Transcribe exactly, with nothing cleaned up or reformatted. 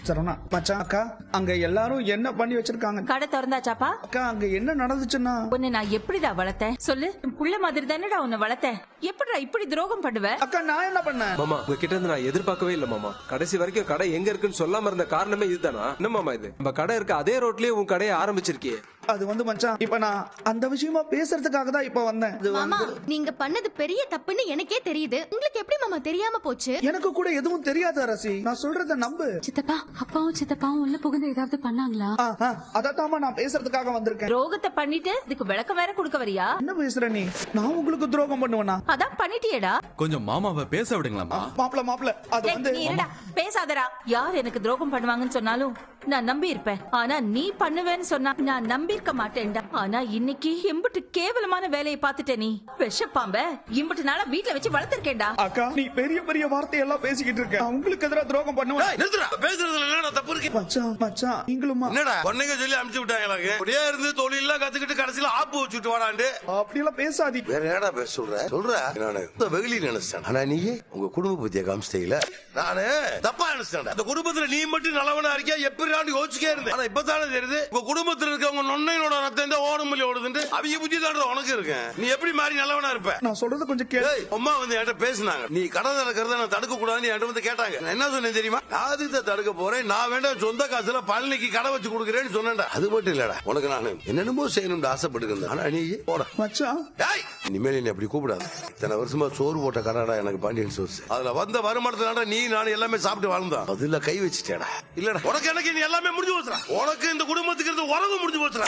சரவணா மச்சான் அக்கா அங்க எல்லாரும் என்ன பண்ணி வச்சிருக்காங்க? கடை திறந்தாச்சாப்பா? அக்கா அங்க என்ன நடந்துச்சுன்னா உன்னை நான் எப்படிடா வளர்த்தேன் சொல்லு? புள்ள மாதிரி தானடா உன்னை வளர்த்தேன். எப்படிடா இப்படி துரோகம் பண்ணுவ? அக்கா நான் என்ன பண்ணேன்? மாமா உங்ககிட்ட இருந்து நான் எதிர்பார்க்கவே இல்ல மாமா. கடைசி வரைக்கும் கடை எங்க இருக்குன்னு சொல்லாம இருந்த காரணமே இதுதானா? என்ன மாமா இது? நம்ம கடை இருக்க அதே ரோட்லயே உன் கடையை ஆரம்பிச்சிருக்கியே. அது வந்து மச்சான் இப்ப நான் அந்த விஷயமா பேசுறதுக்காக தான் இப்ப வந்தேன். இது மாமா வந்து- நீங்க பண்ணது பெரிய தப்புன்னு எனக்கே தெரியுது. உங்களுக்கு எப்படி மாமா தெரியாம போச்சு? எனக்கு கூட எதுவும் தெரியாது அரசி. நான் சொல்றத நம்பு. சித்தப்பா அப்பாவும் சித்தப்பாவும் உள்ள புகுந்து ஏதாவது பண்ணாங்களா? அதத்தாம நான் பேசுறதுக்காக வந்திருக்கேன். துரோகத்தை பண்ணிட்டு இதுக்கு விளக்கம் வேற கொடுக்க வரியா? என்ன பேசுற நீ? நான் உங்களுக்கு துரோகம் பண்ணுவேனா? அதான் பண்ணிட்டியேடா. கொஞ்சம் மாமாவை பேச விடுங்களாமா? மாப்ள மாப்ள அது டேய், வந்து நீ இருடா, பேசாதடா. யார் எனக்கு துரோகம் பண்ணுவாங்கன்னு சொன்னாலும் நான் நம்பி இருப்பேன். ஆனா நீ பண்ணுவேன்னு சொன்னா நான் நம்பி இருக்க மாட்டேன்டா. ஆனா இன்னைக்கு எம்பிட்டு கேவலமான வேலையை பார்த்துட்ட நீ. விஷப்பாம்ப இம்பிட்டு நாளா வீட்டுல வச்சு வளர்த்திருக்கேன்டா. அக்கா நீ பெரிய பெரிய வார்த்தையெல்லாம் பேசிக்கிட்டு இருக்க. நான் உங்களுக்கு எதிராக துரோகம் பண்ணுவேன். நிறுத்துடா. பேசுறதுல என்னடா தப்பு இருக்கு? மச்சான் மச்சான் நீங்களுமா? என்னடா பொண்ணுங்க சொல்லி அனுப்பிச்சு விட்டாங்க எனக்கு. அப்படியே இருந்து தொழில் எல்லாம் கத்துக்கிட்டு கடைசியில ஆப்பு வச்சுட்டு வாடாண்டு. அப்படி எல்லாம் பேசாதீ. வேற என்னடா பேச சொல்ற? சொல்ற நானு இந்த வெகுளி நினைச்சேன். ஆனா நீ உங்க குடும்ப பத்திய காமிச்சிட்டீங்கள. நானு தப்பா நினைச்சேன். இந்த குடும்பத்துல நீ மட்டும் நல்லவனா இருக்கியா எப்படி யோசிச்சுக்கே இருந்தேன். ஆனா இப்பதானே தெரியுது உங்க குடும்பத்துல இருக்கவங்க நொண்ணையோட ரத்தம் தான் ஓடுமல்லி ஓடுதுன்னு. அவங்க புத்தி தான் உனக்கு இருக்கேன். நீ எப்படி மாதிரி நல்லவனா இருப்ப? நான் சொல்றது கொஞ்சம் கேளு. ஏய், அம்மா வந்து என்கிட்ட பேசினாங்க. நீ கடை திறக்கிறத நான் தடுக்க கூடாதுன்னு என்கிட்ட வந்து கேட்டாங்க. நான் என்ன சொன்னேன் தெரியுமா? ஆதித்த தடுக்க போறேன். நான் வேண்டாம் சொந்த காசுல பழனிக்கு கடை வச்சு கொடுக்குறேன்னு சொன்னேன்டா. அது மட்டும் இல்லடா உனக்கு நான் என்னென்னமோ செய்யணும்னு ஆசைப்பட்டுருந்தேன். ஆனா நீ போட மச்சான் டேய் இனிமேல் நீ அப்படி கூப்பிடாது. இத்தனை வருஷமா சோறு போட்ட கடைடா எனக்கு பாண்டியன் சோர்ஸ். அதுல வந்த வருமானத்துல நீ நான் எல்லாமே சாப்பிட்டு வாழ்ந்தான். அதுல கை வச்சுட்டேடா. இல்லடா உனக்கு எனக்கு நீ எல்லாமே முடிஞ்சு போச்சுடா. உனக்கு இந்த குடும்பத்துக்கு இருந்து உறவு முடிஞ்சு போச்சுடா.